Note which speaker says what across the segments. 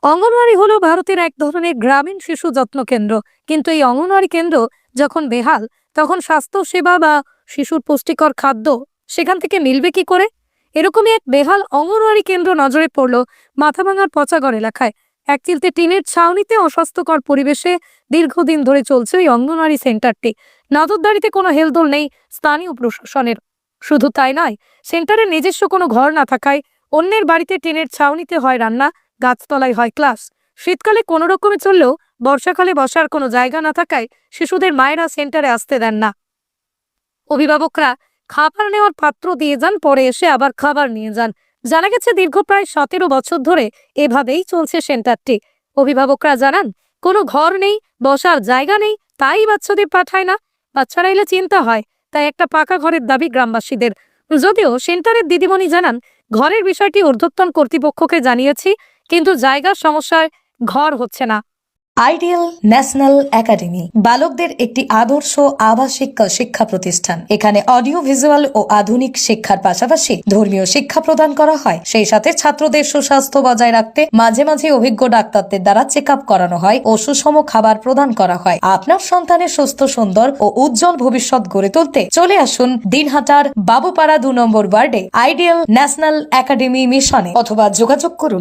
Speaker 1: অঙ্গনওয়াড়ি হলো ভারতের এক ধরনের গ্রামীণ শিশু যত্ন কেন্দ্র। কিন্তু এই অঙ্গনওয়াড়ি কেন্দ্র যখন বেহাল, তখন স্বাস্থ্য সেবা বা শিশুর পুষ্টিকর খাদ্য সেখান থেকে মিলবে কি করে? এরকমই এক বেহাল অঙ্গনওয়াড়ি কেন্দ্র নজরে পড়ল মাথাভাঙার পচাগড় এলাকায়। এক চিলতে টিনের ছাউনিতে অস্বাস্থ্যকর পরিবেশে দীর্ঘদিন ধরে চলছে ওই অঙ্গনওয়াড়ি সেন্টারটি। নজরদারিতে কোনো হেলদোল নেই স্থানীয় প্রশাসনের। শুধু তাই নয়, সেন্টারের নিজস্ব কোনো ঘর না থাকায় অন্যের বাড়িতে টিনের ছাউনিতে হয় রান্না, গাছতলায় হয় ক্লাস। শীতকালে কোনো রকমে চললেও বর্ষাকালে বসার কোনো জায়গা না থাকায় শিশুদের মায়েরা সেন্টারে আসতে দেন না। অভিভাবকরা খাবার নেওয়ার পাত্র দিয়ে যান, পরে এসে আবার খাবার নিয়ে যান। জানা গেছে দীর্ঘ প্রায় 17 বছর ধরে এভাবেই চলছে সেন্টারটি। অভিভাবকরা জানান, কোনো ঘর নেই, বসার জায়গা নেই, তাই বাচ্চাদের পাঠায় না। বাচ্চারা এলে চিন্তা হয়, তাই একটা পাকা ঘরের দাবি গ্রামবাসীদের। যদিও সেন্টারের দিদিমণি জানান, ঘরের বিষয়টি ঊর্ধ্বতন কর্তৃপক্ষকে জানিয়েছি, কিন্তু জায়গার সমস্যায় ঘর হচ্ছে না।
Speaker 2: আইডিয়াল ন্যাশনাল একাডেমি বালকদের একটি আদর্শ আবাসিক শিক্ষা প্রতিষ্ঠান। এখানে অডিও ভিজুয়াল ও আধুনিক শিক্ষার পাশাপাশি ধর্মীয় শিক্ষা প্রদান করা হয়। সেই সাথে ছাত্রদের সুস্বাস্থ্য বজায় রাখতে মাঝে মাঝে অভিজ্ঞ ডাক্তারদের দ্বারা চেক আপ করানো হয় ও সুষম খাবার প্রদান করা হয়। আপনার সন্তানের সুস্থ, সুন্দর ও উজ্জ্বল ভবিষ্যৎ গড়ে তুলতে চলে আসুন দিনহাটার বাবুপাড়া 2 নম্বর ওয়ার্ডে আইডিয়াল ন্যাশনাল একাডেমি মিশনে, অথবা যোগাযোগ করুন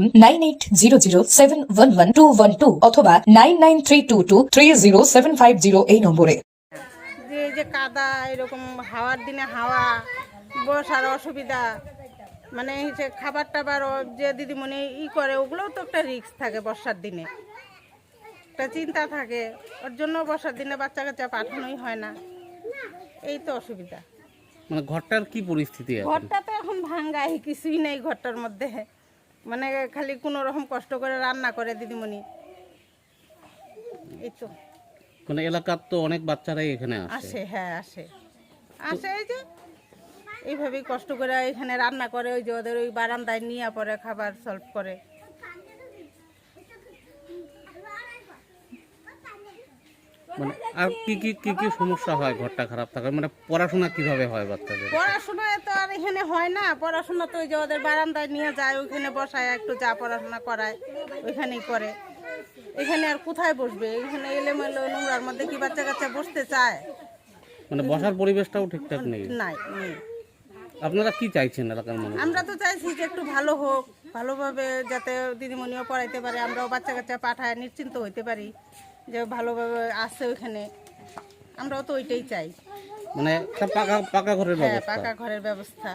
Speaker 2: 9800711212 অথবা 9932230750 এই নম্বরে।
Speaker 3: যে কাদা, এরকম হাওয়ার দিনে হাওয়া, বসার অসুবিধা, মানে যে খাবার টাবার যে দিদিমণি করে, ওগুলোও তো একটা রিস্ক থাকে। বর্ষার দিনে একটা চিন্তা থাকে, ওর জন্য বর্ষার দিনে বাচ্চা কাচ্চা পাঠানোই হয় না। এই তো অসুবিধা।
Speaker 4: মানে ঘরটার কি পরিস্থিতি?
Speaker 3: ঘরটা তো এখন ভাঙ্গাই, কিছুই নেই ঘরটার মধ্যে। মানে খালি কোনো রকম কষ্ট করে রান্না করে দিদিমণি। এই তো
Speaker 4: মানে এলাকার তো অনেক বাচ্চারাই এখানে
Speaker 3: আসে। হ্যাঁ, আসে। এই যে এইভাবেই কষ্ট করে এখানে রান্না করে, ওই যে ওদের ওই বারান্দায় নিয়ে পরে খাবার সলভ করে।
Speaker 4: মানে আর কি কি কি কি সমস্যা হয় ঘরটা খারাপ থাকার? মানে পড়াশোনা কিভাবে হয় বাচ্চাদের?
Speaker 3: পড়াশোনা তো আর এখানে হয় না। পড়াশোনা তো ওই যে ওদের বারান্দায় নিয়ে যায়, ওইখানে বসায়, একটু যা পড়াশোনা করায় ওইখানেই করে। এখানে আর কোথায় বসবে? এখানে এলোমেলো নোংরার মধ্যে কি বাচ্চা কাচ্চা বসতে চায়?
Speaker 4: মানে বসার পরিবেশটাও ঠিকঠাক নেই।
Speaker 3: নাই।
Speaker 4: আপনারা কি চাইছেন এলাকার মানুষ?
Speaker 3: আমরা তো চাইছি যে একটু ভালো হোক, ভালোভাবে যাতে দিদিমণিও পড়াইতে পারে, আমরাও বাচ্চা কাচ্চা পাঠায় নিশ্চিন্ত হইতে পারি যে ভালোভাবে আসছে ওইখানে। আমরাও তো ওইটাই চাই।
Speaker 4: মানে একটা পাকা ঘরের
Speaker 3: হ্যাঁ,
Speaker 4: ব্যবস্থা।
Speaker 3: পাকা ঘরের ব্যবস্থা।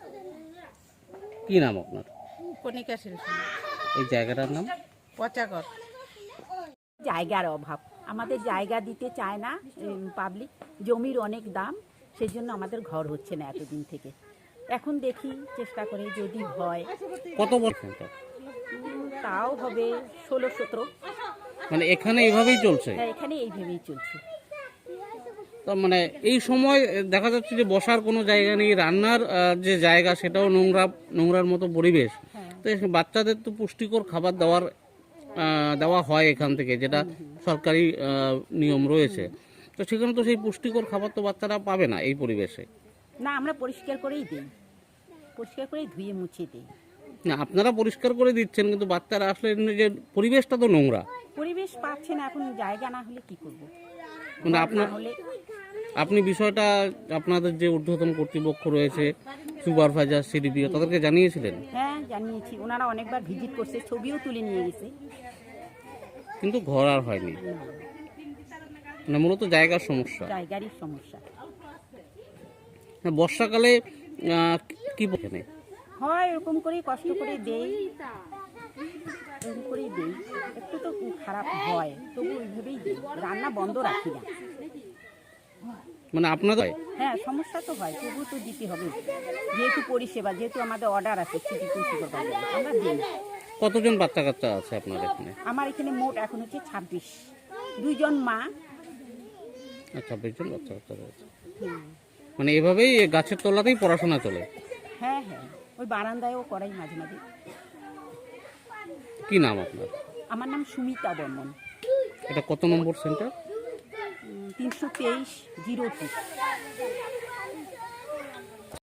Speaker 4: কি নাম আপনার?
Speaker 3: কণিকা শিল্পী।
Speaker 4: এই জায়গাটার নাম?
Speaker 3: পচাগড়।
Speaker 5: জায়গার অভাব, আমাদের জায়গা দিতে চায় না পাবলিক। জমির অনেক দাম, সেই জন্য আমাদের ঘর হচ্ছে না এতদিন থেকে। এখন দেখি চেষ্টা করে যদি হয়।
Speaker 4: কত বছর?
Speaker 5: তাও হবে 16-17।
Speaker 4: মানে এখানে এইভাবেই চলছে?
Speaker 5: হ্যাঁ, এখানে এইভাবেই চলছে।
Speaker 4: তো মানে এই সময় দেখা যাচ্ছে যে বসার কোনো জায়গা নেই, রান্নার যে জায়গা সেটাও নোংরার মতো পরিবেশ। তো বাচ্চাদের তো পুষ্টিকর খাবার দেওয়া হয় এখান থেকে, যেটা সরকারি নিয়ম রয়েছে। তো সেখানে তো সেই পুষ্টিকর খাবার তো বাচ্চারা পাবে না এই পরিবেশে।
Speaker 5: না, আমরা পরিষ্কার করেই দিই, পরিষ্কার করেই ধুয়ে মুছিয়ে দিই।
Speaker 4: না, আপনারা পরিষ্কার করে দিচ্ছেন, কিন্তু বাচ্চারা আসলে যে পরিবেশটা তো নোংরা।
Speaker 5: পরিবেশ পাচ্ছে না, এখন জায়গা না হলে কি করব?
Speaker 4: মানে আপনি বিষয়টা আপনাদের যে ঊর্ধ্বতন কর্তৃপক্ষ রয়েছে, সুপারভাইজার, সিডিপিও, তাদেরকে জানিয়েছিলেন?
Speaker 5: হ্যাঁ, জানিয়েছি। ওনারা অনেকবার ভিজিট করছে, ছবিও তুলে নিয়ে গেছে,
Speaker 4: কিন্তু ঘর আর হয়নি। মানে মূলত জায়গার সমস্যা।
Speaker 5: জায়গারই সমস্যা
Speaker 4: বর্ষাকালে কি এখানে
Speaker 5: হয়, এরকম করেই কষ্ট করে দেই, এরকম করেই দেই। একটু তো খারাপ হয়, তবু ওইভাবেই দিই, রান্না বন্ধ রাখি না।
Speaker 4: মানে আপনাদের?
Speaker 5: হ্যাঁ, সমস্যা তো হয়, তবু তো দিতে হবে, যেহেতু পরিষেবা, যেহেতু আমাদের অর্ডার আছে সিটি সুপারভাইজার, আমরা দিই।
Speaker 4: কতজন বাচ্চা কাচ্চা আছে আপনার এখানে?
Speaker 5: আমার এখানে মোট এখন হচ্ছে 26, 2 জন মা।
Speaker 4: 26 জন বাচ্চা কাচ্চা রয়েছে। মানে এভাবেই গাছের তলাতেই পড়াশোনা চলে?
Speaker 5: হ্যাঁ, ওই বারান্দায়ও করাই মাঝে মাঝে।
Speaker 4: কি নাম আপনার?
Speaker 5: আমার নাম সুমিতা বর্মন।
Speaker 4: এটা কত নম্বর সেন্টার?
Speaker 5: 323-02।